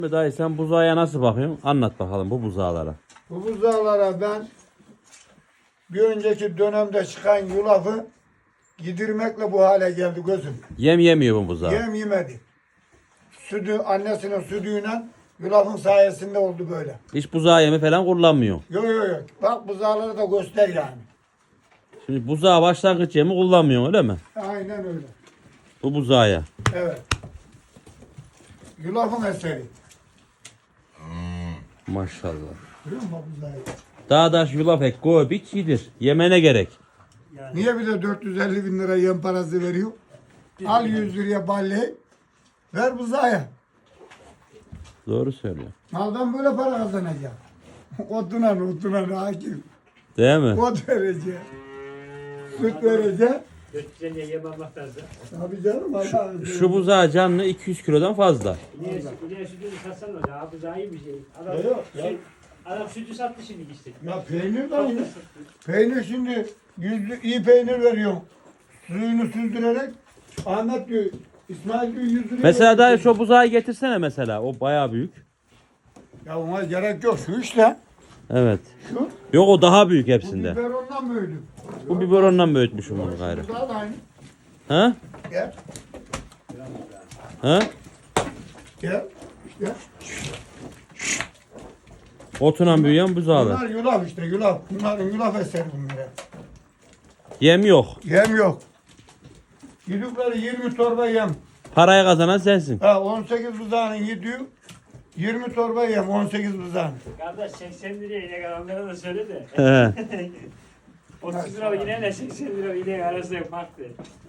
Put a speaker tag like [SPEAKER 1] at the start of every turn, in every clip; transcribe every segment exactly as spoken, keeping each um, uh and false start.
[SPEAKER 1] Dayı sen buzağa nasıl bakıyorsun? Anlat bakalım bu buzağlara.
[SPEAKER 2] Bu buzağlara ben bir önceki dönemde çıkan yulafı gidirmekle bu hale geldi gözüm.
[SPEAKER 1] Yem yemiyor bu buzağı.
[SPEAKER 2] Yem yemedi. Sütü, annesinin sütüyle yulafın sayesinde oldu böyle.
[SPEAKER 1] Hiç buzağı yemi falan kullanmıyor.
[SPEAKER 2] Yok yok yok. Bak buzağları da göster yani.
[SPEAKER 1] Şimdi buzağı başlangıç yemi kullanmıyor öyle mi?
[SPEAKER 2] Aynen öyle.
[SPEAKER 1] Bu buzağa.
[SPEAKER 2] Evet. Yulafın eseri.
[SPEAKER 1] Maşallah.
[SPEAKER 2] Görüyor musun buzağı?
[SPEAKER 1] Dağdaş yulaf ek koy biç yedir. Yemene gerek.
[SPEAKER 2] Niye bir de dört yüz elli bin lira yem parası veriyor? Al yüz liraya balleyi. Ver buzağa.
[SPEAKER 1] Doğru söylüyor.
[SPEAKER 2] Maldan böyle para kazanacak. Otunan otunan hakim.
[SPEAKER 1] Değil mi?
[SPEAKER 2] Ot verecek. Süt verecek.
[SPEAKER 3] Götürene yem almak lazım.
[SPEAKER 2] Tabii canım. Allah'ım.
[SPEAKER 1] Şu buzağı canlı iki yüz kilodan fazla.
[SPEAKER 3] İneğe, ineğe sütünü satsan da abi daha iyi bir şey. Adam,
[SPEAKER 2] Ya yok, ya.
[SPEAKER 3] süt, adam sütü sattı şimdi işte.
[SPEAKER 2] Ya peynir de aynı. Peynir şimdi yüzlü iyi peynir veriyor. Suyunu süzdürerek Ahmet diyor, İsmail diyor yüz liraya
[SPEAKER 1] Mesela dayı
[SPEAKER 2] veriyor.
[SPEAKER 1] şu buzağı getirsene mesela. O bayağı büyük.
[SPEAKER 2] Ya ona gerek yok. Şu işte.
[SPEAKER 1] Evet.
[SPEAKER 2] Şu.
[SPEAKER 1] Yok o daha büyük
[SPEAKER 2] Bu
[SPEAKER 1] hepsinde.
[SPEAKER 2] biberondan büyüdü.
[SPEAKER 1] Bu biberondan büyütmüşüm bunu gayrı.
[SPEAKER 2] Bu da aynı.
[SPEAKER 1] Ha?
[SPEAKER 2] Gel.
[SPEAKER 1] Ha?
[SPEAKER 2] Gel. İşte.
[SPEAKER 1] Otunan büyüyen buzağlar.
[SPEAKER 2] Bunlar yulaf işte yulaf. Bunların yulaf eseri bunlar.
[SPEAKER 1] Yem yok.
[SPEAKER 2] Yem yok. Yedikleri yirmi torba yem.
[SPEAKER 1] Parayı kazanan sensin.
[SPEAKER 2] Ha on sekiz buzağının yediği yirmi torba yem on sekiz buzağın.
[SPEAKER 3] Kardeş seksen liraya inek alanlara da söyle de.
[SPEAKER 1] He.
[SPEAKER 3] otuz lira ineğle seksen lira inek arasında farklı.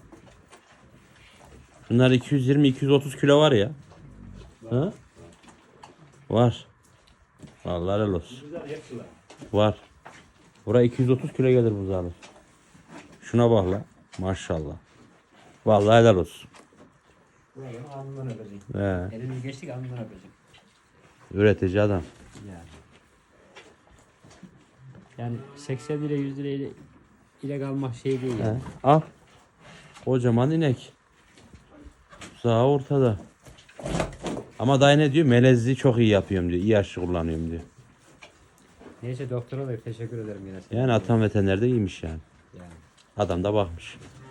[SPEAKER 1] Bunlar iki yüz yirmi iki yüz otuz kilo var ya. Ha? Var. Vallahi helal olsun.
[SPEAKER 3] Güzel hepsi var.
[SPEAKER 1] Var. Buraya iki yüz otuz kilo gelir buzağlar. Şuna bak la. Maşallah. Vallahi helal olsun.
[SPEAKER 3] Buraya alnından öpeceğim.
[SPEAKER 1] He.
[SPEAKER 3] Elimiz geçtik alnından öpeceğim.
[SPEAKER 1] Üretici adam.
[SPEAKER 3] Yani. Yani seksen lira yüz lira ile inek almak şey değil
[SPEAKER 1] He.
[SPEAKER 3] yani.
[SPEAKER 1] Al. Kocaman inek. Buzağı ortada. Ama dayı ne diyor? Melezliği çok iyi yapıyorum diyor. İyi aşı kullanıyorum diyor.
[SPEAKER 3] Neyse doktora da teşekkür ederim yine. sana.
[SPEAKER 1] Yani atan veterinerde iyiymiş yani.
[SPEAKER 3] Yani.
[SPEAKER 1] Adam da bakmış.